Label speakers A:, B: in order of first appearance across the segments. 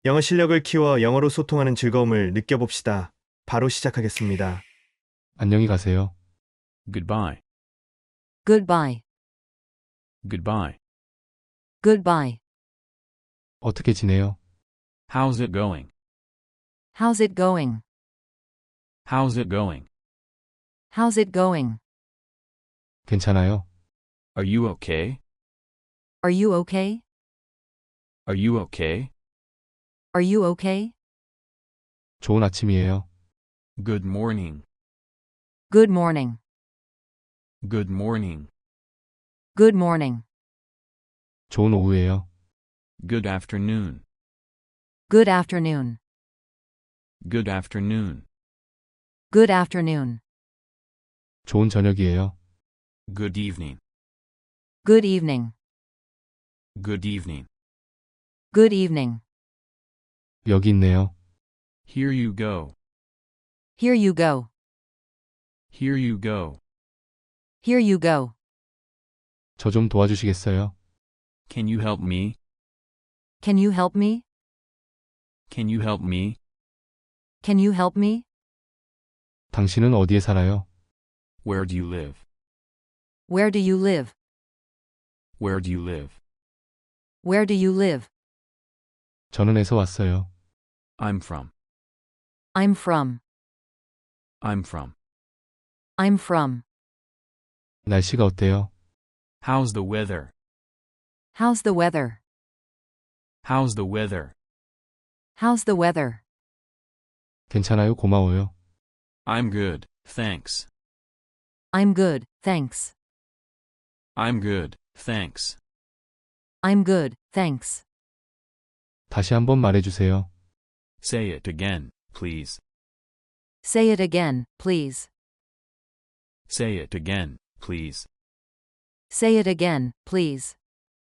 A: 영어 실력을 키워 영어로 소통하는 즐거움을 느껴봅시다. 바로 시작하겠습니다.
B: 안녕히 가세요.
C: Goodbye.
D: Goodbye.
C: Goodbye.
D: Goodbye.
B: 어떻게 지내요?
C: How's it going?
D: How's it going?
C: How's it going?
D: How's it going?
B: 괜찮아요?
C: Are you okay?
D: Are you okay?
C: Are you okay?
D: Are you okay?
B: 좋은 아침이에요.
C: Good morning.
D: Good morning.
C: Good morning.
D: Good morning.
B: 좋은 오후예요.
C: Good afternoon.
D: Good afternoon.
C: Good afternoon.
D: Good afternoon.
B: 좋은 저녁이에요.
C: Good evening.
D: Good evening.
C: Good evening.
D: Good evening.
B: 여기 있네요.
C: Here you go.
D: Here you go.
C: Here you go.
D: Here you go.
B: 저 좀 도와주시겠어요?
C: Can you help me?
D: Can you help me?
C: Can you help me?
D: Can you help me?
B: 당신은 어디에 살아요?
C: Where do you live?
D: Where do you live?
C: Where do you live?
D: Where do you live?
B: 저는 에서 왔어요.
C: I'm from.
D: I'm from.
C: I'm from.
D: I'm from.
B: 날씨가 어때요?
C: How's the weather?
D: How's the weather?
C: How's the weather?
D: How's the weather?
B: 괜찮아요. 고마워요.
C: I'm good, thanks.
D: I'm good, thanks.
C: I'm good, thanks.
D: I'm good, thanks.
B: 다시 한번 말해주세요.
C: Say it again, please.
D: Say it again, please.
C: Say it again, please.
D: Say it again, please.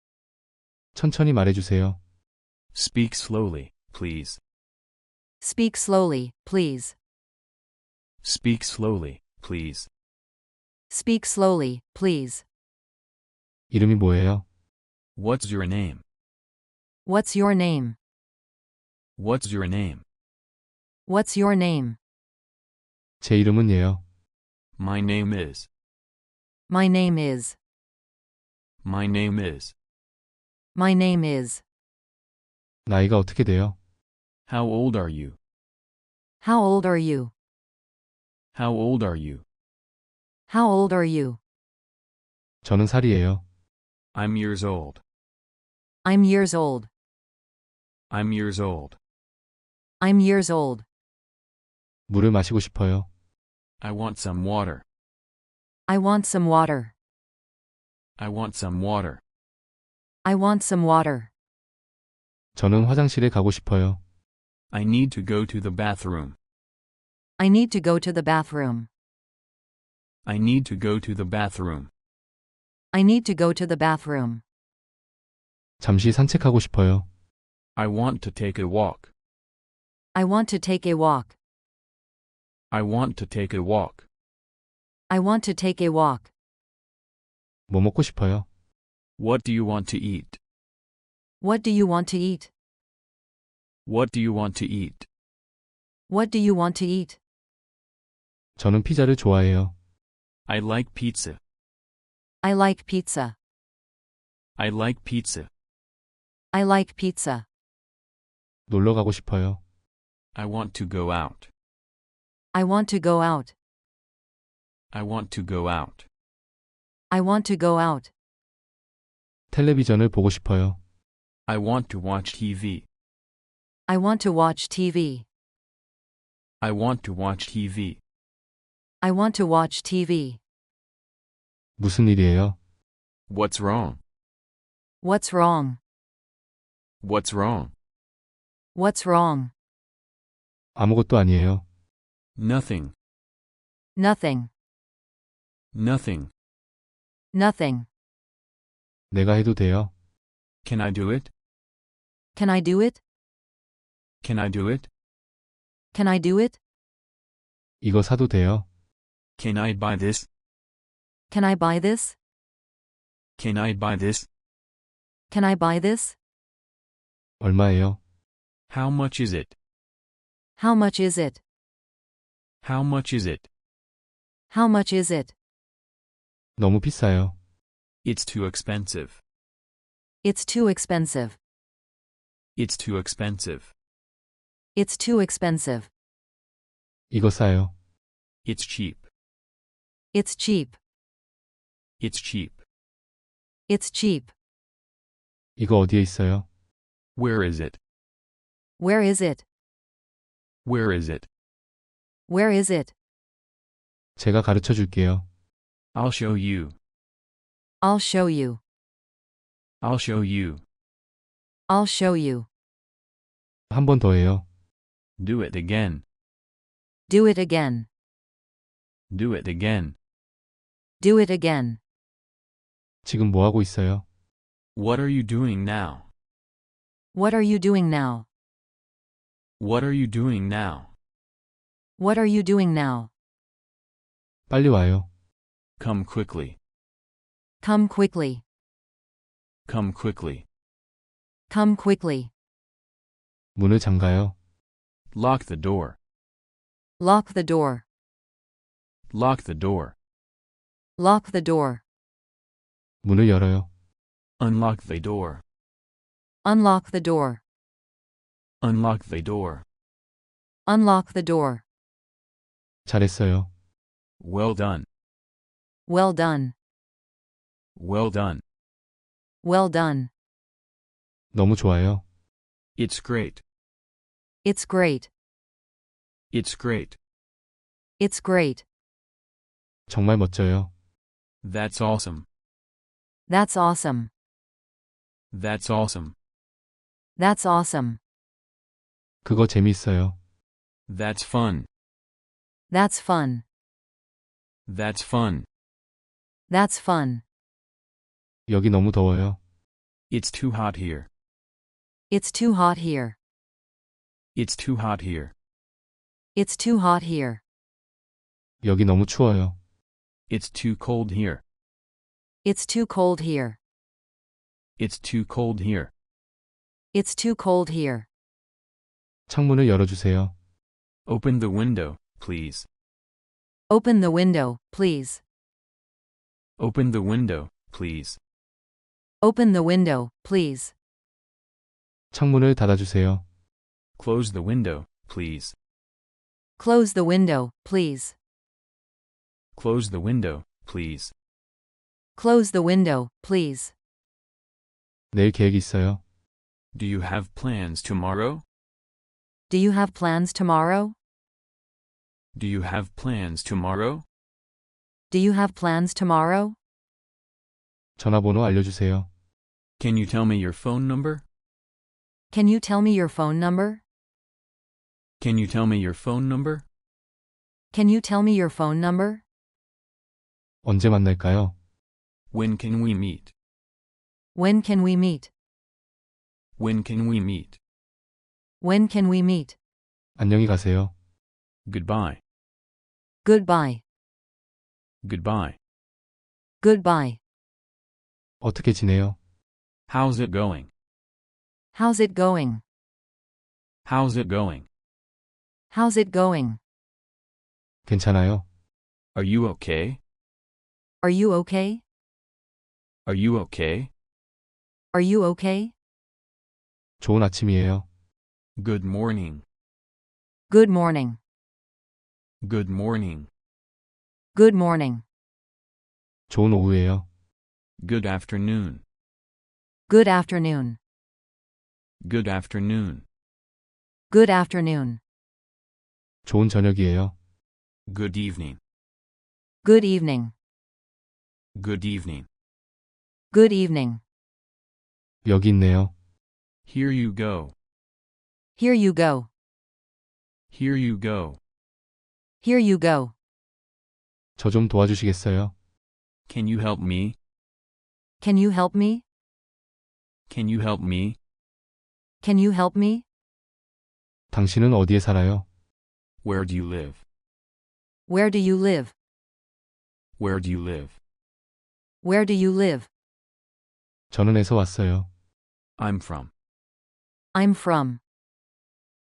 B: 천천히 말해주세요.
C: Speak slowly, please.
D: Speak slowly, please.
C: Speak slowly, please.
D: Speak slowly, please.
B: 이름이 뭐예요?
C: What's your name?
D: What's your name?
C: What's your name?
D: What's your name?
B: 제 이름은 예요.
C: My name is.
D: My name is.
C: My name is.
D: My name is.
B: 나이가 어떻게 돼요?
C: How old are you?
D: How old are you?
C: How old are you?
D: How old are you?
B: 저는 살이에요.
C: I'm years old.
D: I'm years old.
C: I'm years old.
D: I'm years old.
B: 물을 마시고 싶어요.
C: I want some water.
D: I want some water.
C: I want some water.
D: I want some water.
B: 저는 화장실에 가고 싶어요.
C: I need to go to the bathroom.
D: I need to go to the bathroom.
C: I need to go to the bathroom.
D: I need to go to the bathroom.
B: 잠시 산책하고 싶어요.
C: I want to take a walk.
D: I want to take a walk.
C: I want to take a walk.
D: I want to take a walk.
B: 뭐 먹고 싶어요?
C: What do you want to eat?
D: What do you want to eat?
C: What do you want to eat?
D: What do you want to eat?
B: 저는 피자를 좋아해요.
C: I like pizza.
D: I like pizza.
C: I like pizza.
D: I like pizza.
B: 놀러 가고 싶어요.
C: I want to go out.
D: I want to go out.
C: I want to go out.
D: I want to go out.
B: 텔레비전을 보고 싶어요.
C: I want to watch TV.
D: I want to watch TV.
C: I want to watch TV.
D: I want to watch TV.
B: 무슨 일이에요?
C: What's wrong?
D: What's wrong?
C: What's wrong?
D: What's wrong?
B: 아무것도 아니에요.
C: Nothing.
D: Nothing.
C: Nothing.
D: Nothing.
B: 내가 해도 돼요?
C: Can I do it?
D: Can I do it?
C: Can I do it?
D: Can I do it?
B: 이거 사도 돼요?
C: Can I buy this?
D: Can I buy this?
C: Can I buy this?
D: Can I buy this?
B: 얼마예요?
C: How much is it?
D: How much is it?
C: How much is it?
D: How much is it?
B: 너무 비싸요.
C: It's too expensive.
D: It's too expensive.
C: It's too expensive.
D: It's too expensive.
B: 이거 싸요.
C: It's cheap.
D: It's cheap.
C: It's cheap.
D: It's cheap.
B: 이거 어디에 있어요?
C: Where is it?
D: Where is it?
C: Where is it?
D: Where is it?
B: 제가 가르쳐 줄게요.
C: I'll show you.
D: I'll show you.
C: I'll show you.
D: I'll show you.
B: 한 번 더 해요.
C: Do it again.
D: Do it again.
C: Do it again.
D: Do it again.
B: 지금 뭐 하고 있어요?
C: What are you doing now?
D: What are you doing now?
C: What are you doing now?
D: What are you doing now?
B: 빨리 와요.
C: Come quickly.
D: Come quickly.
C: Come quickly.
D: Come quickly.
B: 문을 잠가요.
C: Lock the door.
D: Lock the door.
C: Lock the door.
D: Lock the door.
B: 문을 열어요.
C: Unlock the door.
D: Unlock the door.
C: Unlock the door.
D: Unlock the door.
B: 잘했어요.
C: Well done.
D: Well done.
C: Well done.
D: Well done.
B: 너무 좋아요.
C: It's great.
D: It's great.
C: It's great.
D: It's great.
B: 정말 멋져요.
C: That's awesome.
D: That's awesome.
C: That's awesome.
D: That's awesome.
B: 그거 재미있어요.
C: That's fun.
D: That's fun.
C: That's fun.
D: That's fun.
B: 여기 너무 더워요.
C: It's too hot here.
D: It's too hot here.
C: It's too hot here.
D: It's too hot here.
B: 여기 너무 추워요.
C: It's too cold here.
D: It's too cold here.
C: It's too cold here.
D: It's too cold here.
B: 창문을 열어주세요.
C: Open the window, please.
D: Open the window, please.
C: Open the window, please.
D: Open the window, please.
B: 창문을 닫아주세요.
C: Close the window, please.
D: Close the window, please.
C: Close the window, please.
D: Close the window, please.
B: 내일 계획 있어요.
C: Do you have plans tomorrow?
D: Do you have plans tomorrow?
C: Do you have plans tomorrow?
D: Do you have plans tomorrow?
B: 전화번호 알려주세요.
C: Can you tell me your phone number?
D: Can you tell me your phone number?
C: Can you tell me your phone number?
D: Can you tell me your phone number?
B: 언제 만날까요?
C: When can we meet?
D: When can we meet?
C: When can we meet?
D: When can we meet?
B: 안녕히 가세요.
C: Goodbye.
D: Goodbye.
C: Goodbye.
D: Goodbye.
B: 어떻게 지내요?
C: How's it going?
D: How's it going?
C: How's it going?
D: How's it going?
B: 괜찮아요?
C: Are you okay?
D: Are you okay?
C: Are you okay?
D: Are you okay?
B: 좋은 아침이에요.
C: Good morning.
D: Good morning.
C: Good morning.
D: Good morning.
B: 좋은 오후예요.
C: Good afternoon.
D: Good afternoon.
C: Good afternoon.
D: Good afternoon.
B: 좋은 저녁이에요.
C: Good evening.
D: Good evening.
C: Good evening.
D: Good evening.
B: 여기 있네요.
C: Here you go.
D: Here you go.
C: Here you go.
D: Here you go.
B: 저 좀 도와주시겠어요?
C: Can you help me?
D: Can you help me?
C: Can you help me?
D: Can you help me?
B: 당신은 어디에 살아요?
C: Where do you live?
D: Where do you live?
C: Where do you live?
D: Where do you live?
B: 저는 에서 왔어요.
C: I'm from.
D: I'm from.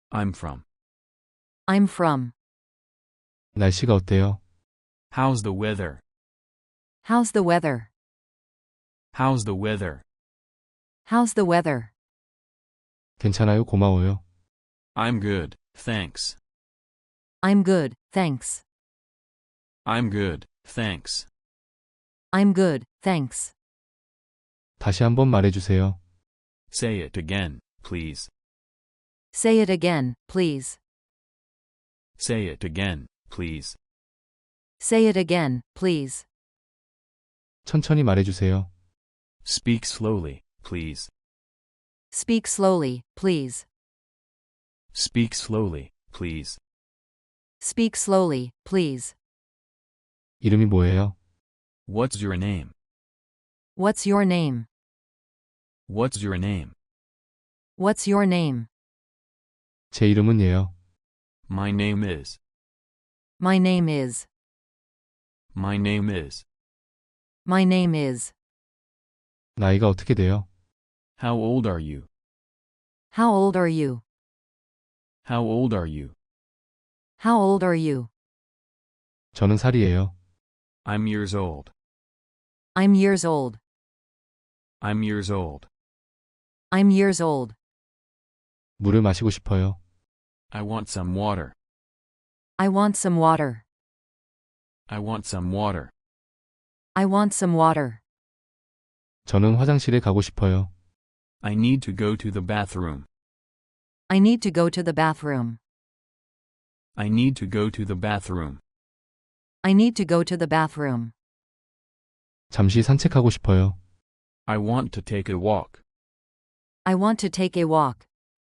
C: I'm from.
D: I'm from.
B: 날씨가 어때요?
C: How's the weather?
D: How's the weather?
C: How's the weather?
D: How's the weather?
B: 괜찮아요, 고마워요.
C: I'm good, thanks.
D: I'm good, thanks.
C: I'm good, thanks.
D: I'm good, thanks.
B: 다시 한번 말해주세요.
C: Say it again, please.
D: Say it again, please.
C: Say it again, please.
D: Say it again, please.
B: 천천히 말해주세요.
C: Speak slowly, please.
D: Speak slowly, please.
C: Speak slowly, please.
D: Speak slowly, please.
B: 이름이 뭐예요?
C: What's your name?
D: What's your name?
C: What's your name?
D: What's your name?
B: 제 이름은 예요.
C: My name is.
D: My name is.
C: My name is.
D: My name is.
B: 나이가 어떻게 돼요?
C: How old are you?
D: How old are you?
C: How old are you?
D: How old are you?
B: 저는 살이에요.
C: I'm years old.
D: I'm years old.
C: I'm years old.
D: I'm years old.
B: 물을 마시고 싶어요.
C: I want some water.
D: I want some water.
C: I want some water.
D: I want some water.
B: 저는 화장실에 가고 싶어요.
C: I need to go to the bathroom.
D: I need to go to the bathroom.
C: I need to go to the bathroom.
D: I need to go to the bathroom.
B: 잠시 산책하고 싶어요.
C: I want to take a walk.
D: I want to take a walk.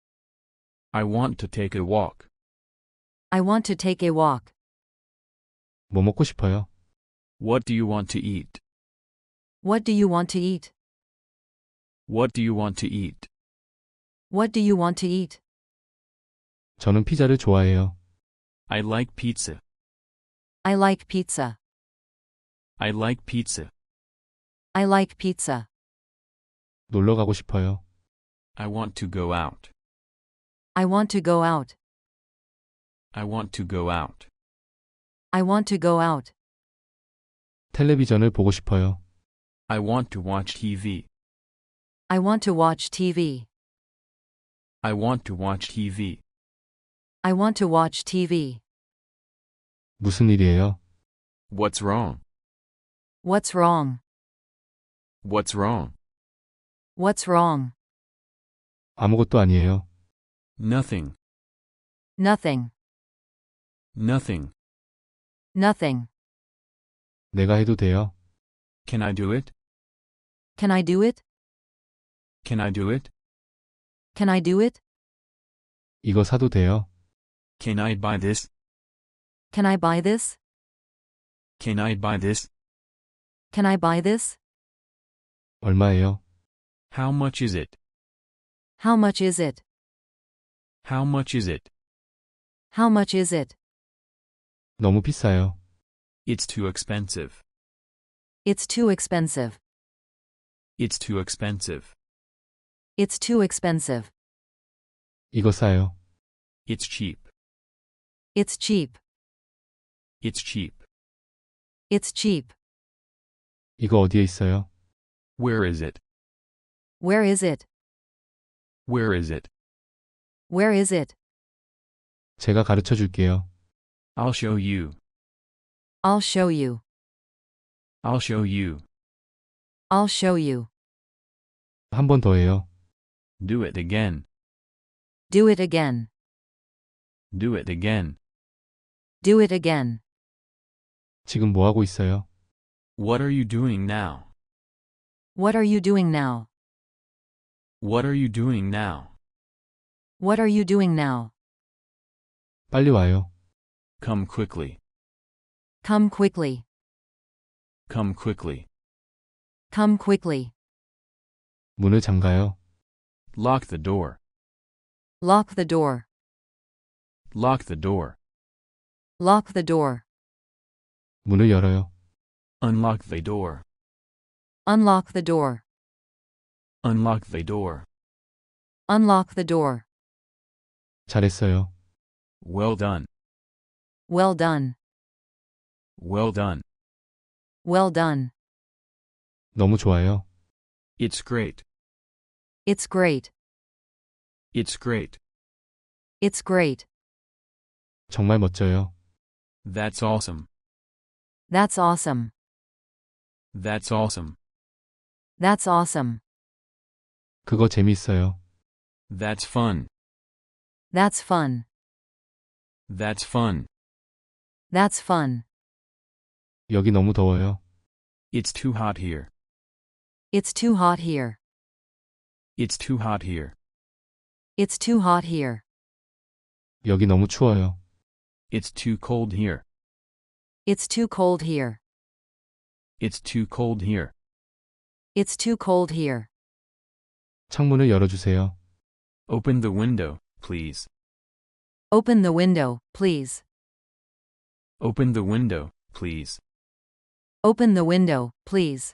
C: I want to take a walk.
D: I want to take a walk.
B: 뭐 먹고 싶어요?
C: What do you want to eat?
D: What do you want to eat?
C: What do you want to eat?
D: What do you want to eat?
B: 저는 피자를 좋아해요.
C: I like pizza.
D: I like pizza.
C: I like pizza.
D: I like pizza.
B: 놀러 가고 싶어요.
C: I want to go out.
D: I want to go out.
C: I want to go out.
D: I want to go out.
B: 텔레비전을 보고 싶어요.
C: I want to watch TV.
D: I want to watch TV.
C: I want to watch TV.
D: I want to watch TV.
B: 무슨 일이에요?
C: What's wrong?
D: What's wrong?
C: What's wrong?
D: What's wrong?
B: 아무것도 아니에요.
C: Nothing.
D: Nothing.
C: Nothing.
D: Nothing.
B: 내가 해도 돼요?
C: Can I do it?
D: Can I do it?
C: Can I do it?
D: Can I do it?
B: 이거 사도 돼요?
C: Can I buy this?
D: Can I buy this?
C: Can I buy this?
D: Can I buy this?
B: 얼마예요?
C: How much is it?
D: How much is it?
C: How much is it?
D: How much is it?
B: 너무 비싸요.
C: It's too expensive.
D: It's too expensive.
C: It's too expensive.
D: It's too expensive.
B: 이거 싸요.
C: It's cheap.
D: It's cheap.
C: It's cheap.
D: It's cheap.
B: 이거 어디에 있어요?
C: Where is it?
D: Where is it?
C: Where is it?
D: Where is it?
B: 제가 가르쳐 줄게요.
C: I'll show you.
D: I'll show you.
C: I'll show you.
D: I'll show you.
B: 한 번 더 해요.
C: Do it again.
D: Do it again.
C: Do it again.
D: Do it again.
B: 지금 뭐 하고 있어요?
C: What are you doing now?
D: What are you doing now?
C: What are you doing now?
D: What are you doing now?
B: 빨리 와요.
C: Come quickly.
D: Come quickly.
C: Come quickly.
D: Come quickly.
B: 문을 잠가요.
C: Lock the door.
D: Lock the door.
C: Lock the door.
D: Lock the door.
B: 문을 열어요.
C: Unlock the door.
D: Unlock the door.
C: Unlock the door.
D: Unlock the door.
B: 잘했어요.
C: Well done.
D: Well done.
C: Well done.
D: Well done.
B: 너무 좋아요.
C: It's great.
D: It's great.
C: It's great.
D: It's great.
B: 정말 멋져요.
C: That's awesome.
D: That's awesome.
C: That's awesome.
D: That's awesome.
B: 그거 재미있어요.
C: That's fun.
D: That's fun.
C: That's fun.
D: That's fun.
B: 여기 너무 더워요.
C: It's too hot here.
D: It's too hot here.
C: It's too hot here.
D: It's too hot here.
B: 여기 너무 추워요.
C: It's too cold here.
D: It's too cold here.
C: It's too cold here.
D: It's too cold here.
B: 창문을 열어주세요.
C: Open the window, please.
D: Open the window, please.
C: Open the window, please.
D: Open the window, please.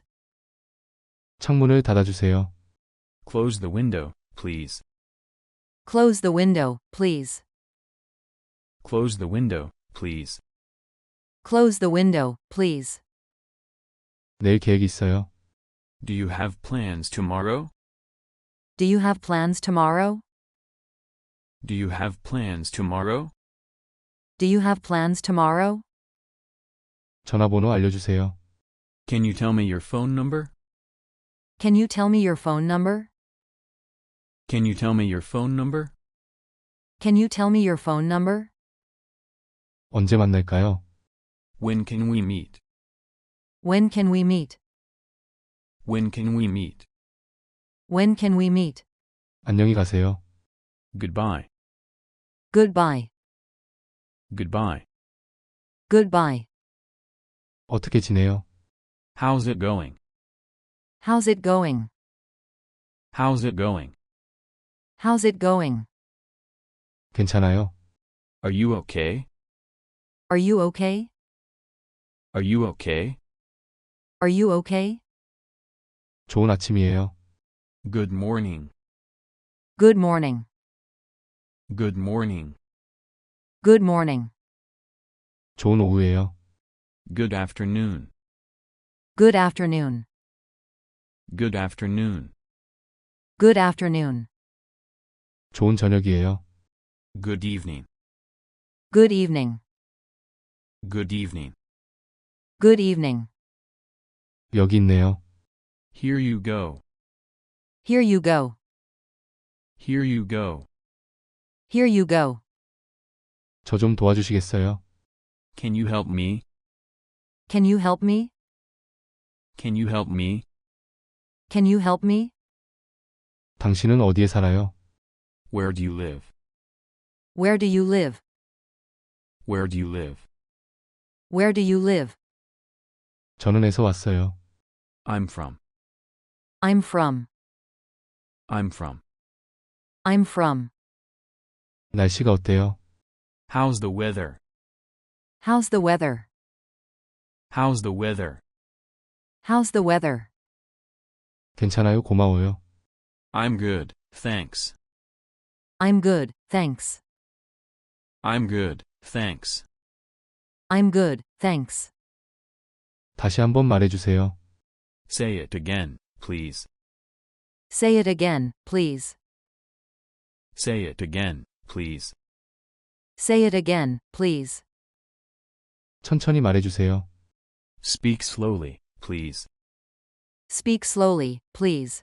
B: 창문을 닫아주세요.
C: Close the window, please.
D: Close the window, please.
C: Close the window, please.
D: Close the window, please.
B: 내일 계획 있어요.
C: Do you have plans tomorrow?
D: Do you have plans tomorrow?
C: Do you have plans tomorrow?
D: Do you have plans tomorrow?
B: 전화번호 알려주세요.
C: Can you tell me your phone number?
D: Can you tell me your phone number?
C: Can you tell me your phone number?
D: Can you tell me your phone number?
B: 언제 만날까요?
C: When can we meet?
D: When can we meet?
C: When can we meet?
D: When can we meet?
B: 안녕히 가세요.
C: Goodbye.
D: Goodbye.
C: Goodbye.
D: Goodbye.
B: 어떻게 지내요?
C: How's it going?
D: How's it going?
C: How's it going?
D: How's it going?
B: 괜찮아요.
C: Are you okay?
D: Are you okay?
C: Are you okay?
D: Are you okay?
B: 좋은 아침이에요.
C: Good morning.
D: Good morning.
C: Good morning.
D: Good morning.
B: 좋은 오후예요.
C: Good afternoon.
D: Good afternoon.
C: Good afternoon.
D: Good afternoon.
B: 좋은 저녁이에요.
C: Good evening.
D: Good evening.
C: Good evening.
D: Good evening.
B: 여기 있네요.
C: Here you go.
D: Here you go.
C: Here you go.
D: Here you go.
B: 저 좀 도와주시겠어요?
C: Can you help me?
D: Can you help me?
C: Can you help me?
D: Can you help me?
B: 당신은 어디에 살아요?
C: Where do you live?
D: Where do you live?
C: Where do you live?
D: Where do you live?
B: 저는 에서 왔어요.
C: I'm from.
D: I'm from.
C: I'm from.
D: I'm from.
B: 날씨가 어때요?
C: How's the weather?
D: How's the weather?
C: How's the weather?
D: How's the weather?
B: 괜찮아요. 고마워요.
C: I'm good, thanks.
D: I'm good, thanks.
C: I'm good, thanks.
D: I'm good, thanks.
B: 다시 한번 말해주세요.
C: Say it again, please.
D: Say it again, please.
C: Say it again, please.
D: Say it again, please.
B: 천천히 말해주세요.
C: Speak slowly, please.
D: Speak slowly, please.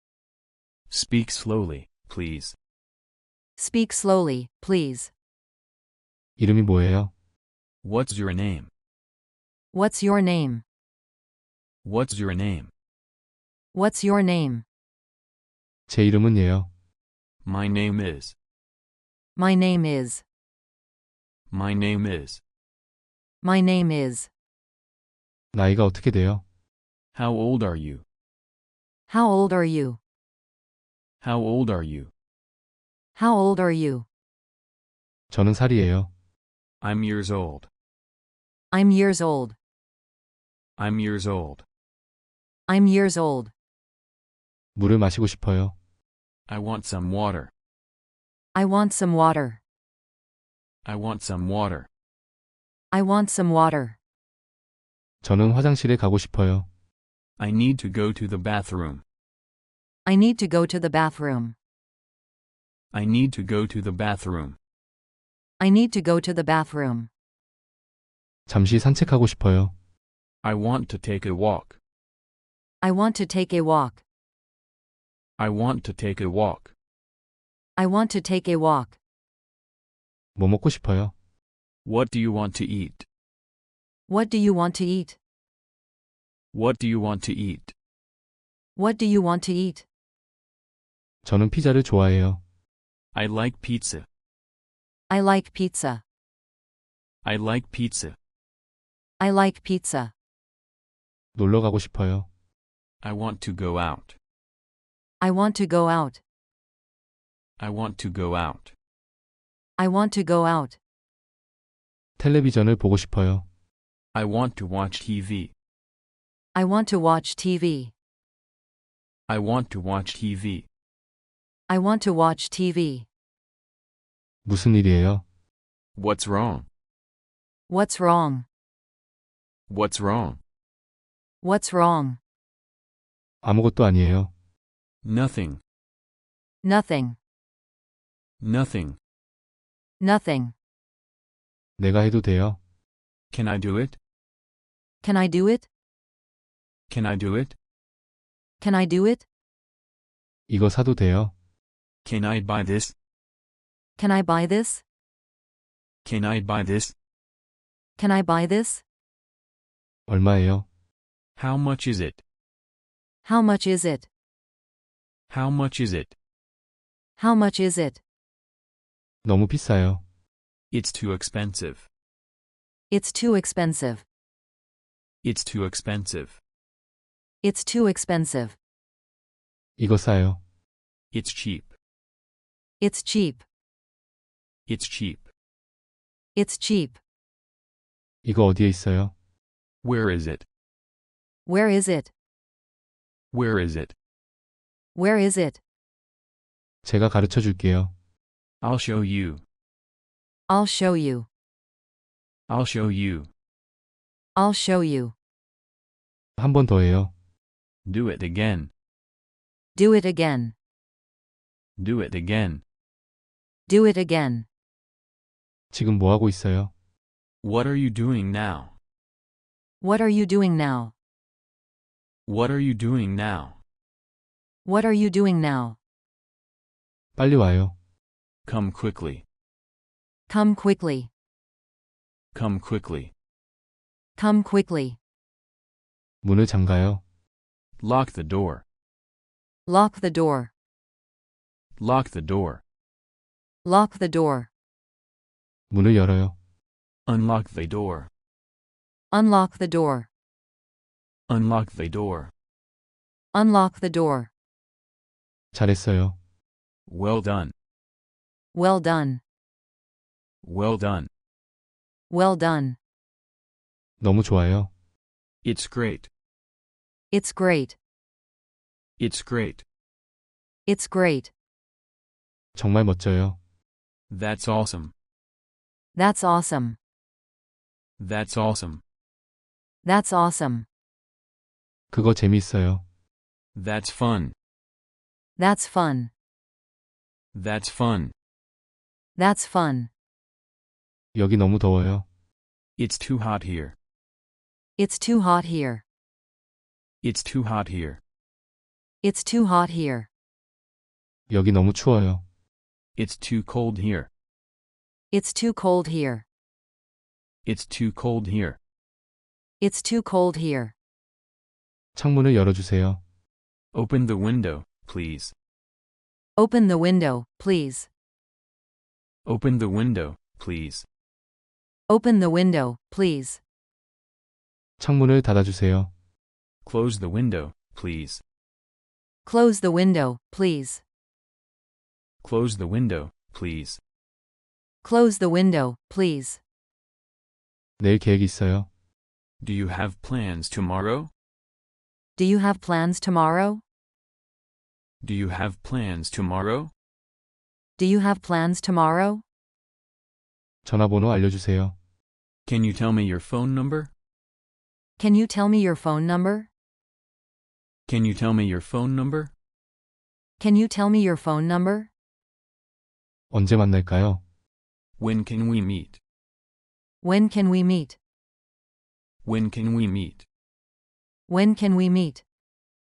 C: Speak slowly, please.
D: Speak slowly, please.
B: 이름이 뭐예요?
C: What's your name?
D: What's your name?
C: What's your name?
D: What's your name?
B: 제 이름은 예요.
C: My name is.
D: My name is.
C: My name is.
D: My name is.
B: 나이가 어떻게 돼요?
C: How old are you?
D: How old are you?
C: How old are you?
D: How old are you?
B: 저는 살이에요.
C: I'm years old.
D: I'm years old.
C: I'm years old.
D: I'm years old.
B: 물을 마시고 싶어요.
C: I want some water.
D: I want some water.
C: I want some water.
D: I want some water.
B: 저는 화장실에 가고 싶어요.
C: I need to go to the bathroom.
D: I need to go to the bathroom.
C: I need to go to the bathroom.
D: I need to go to the bathroom.
B: 잠시 산책하고 싶어요.
C: I want to take a walk.
D: I want to take a walk.
C: I want to take a walk.
D: I want to take a walk.
B: 뭐 먹고 싶어요?
C: What do you want to eat?
D: What do you want to eat?
C: What do you want to eat?
D: What do you want to eat?
B: 저는 피자를 좋아해요.
C: I like pizza.
D: I like pizza.
C: I like pizza.
D: I like pizza.
B: 놀러 가고 싶어요.
C: I want to go out.
D: I want to go out.
C: I want to go out.
D: I want to go out.
B: 텔레비전을 보고 싶어요.
C: I want to watch TV.
D: I want to watch TV.
C: I want to watch TV.
D: I want to watch TV.
B: 무슨 일이에요?
C: What's wrong?
D: What's wrong?
C: What's wrong?
D: What's wrong?
B: 아무것도 아니에요.
C: Nothing.
D: Nothing.
C: Nothing.
D: Nothing.
B: 내가 해도 돼요.
C: Can I do it?
D: Can I do it?
C: Can I do it?
D: Can I do it?
B: 이거 사도 돼요.
C: Can I buy this?
D: Can I buy this?
C: Can I buy this?
D: Can I buy this?
B: 얼마예요?
C: How much is it?
D: How much is it?
C: How much is it?
D: How much is it?
B: 너무 비싸요.
C: It's too expensive.
D: It's too expensive.
C: It's too expensive.
D: It's too expensive.
B: 이거 싸요.
C: It's cheap.
D: It's cheap.
C: It's cheap.
D: It's cheap.
B: 이거 어디에 있어요?
C: Where is it?
D: Where is it?
C: Where is it?
D: Where is it?
B: 제가 가르쳐 줄게요.
C: I'll show you.
D: I'll show you.
C: I'll show you.
D: I'll show you.
B: 한 번 더 해요.
C: Do it again.
D: Do it again.
C: Do it again.
D: Do it again.
B: 지금 뭐 하고 있어요?
C: What are you doing now?
D: What are you doing now?
C: What are you doing now?
D: What are you doing now?
B: 빨리 와요.
C: Come quickly.
D: Come quickly.
C: Come quickly.
D: Come quickly.
B: 문을 잠가요.
C: Lock the door.
D: Lock the door.
C: Lock the door.
D: Lock the door.
B: 문을 열어요.
C: Unlock the door.
D: Unlock the door.
C: Unlock the door.
D: Unlock the door.
B: 잘했어요.
C: Well done.
D: Well done.
C: Well done.
D: Well done.
B: 너무 좋아요.
C: It's great.
D: It's great.
C: It's great.
D: It's great.
B: 정말 멋져요.
C: That's awesome.
D: That's awesome.
C: That's awesome.
D: That's awesome.
B: 그거 재미있어요.
C: That's fun.
D: That's fun.
C: That's fun.
D: That's fun.
B: 여기 너무 더워요.
C: It's too hot here.
D: It's too hot here.
C: It's too hot here.
D: It's too hot here.
B: 여기 너무 추워요.
C: It's too cold here.
D: It's too cold here.
C: It's too cold here.
D: It's too cold here.
B: 창문을 열어주세요.
C: Open the window, please.
D: Open the window, please.
C: Open the window, please.
D: Open the window, please.
B: 창문을 닫아주세요.
C: Close the window, please.
D: Close the window, please.
C: Close the window, please.
D: Close the window, please.
B: 내일 계획 있어요.
C: Do you have plans tomorrow?
D: Do you have plans tomorrow?
C: Do you have plans tomorrow?
D: Do you have plans tomorrow?
B: 전화번호 알려주세요.
C: Can you tell me your phone number?
D: Can you tell me your phone number?
C: Can you tell me your phone number?
D: Can you tell me your phone number?
B: 언제 만날까요?
C: When can we meet?
D: When can we meet?
C: When can we meet?
D: When can we meet?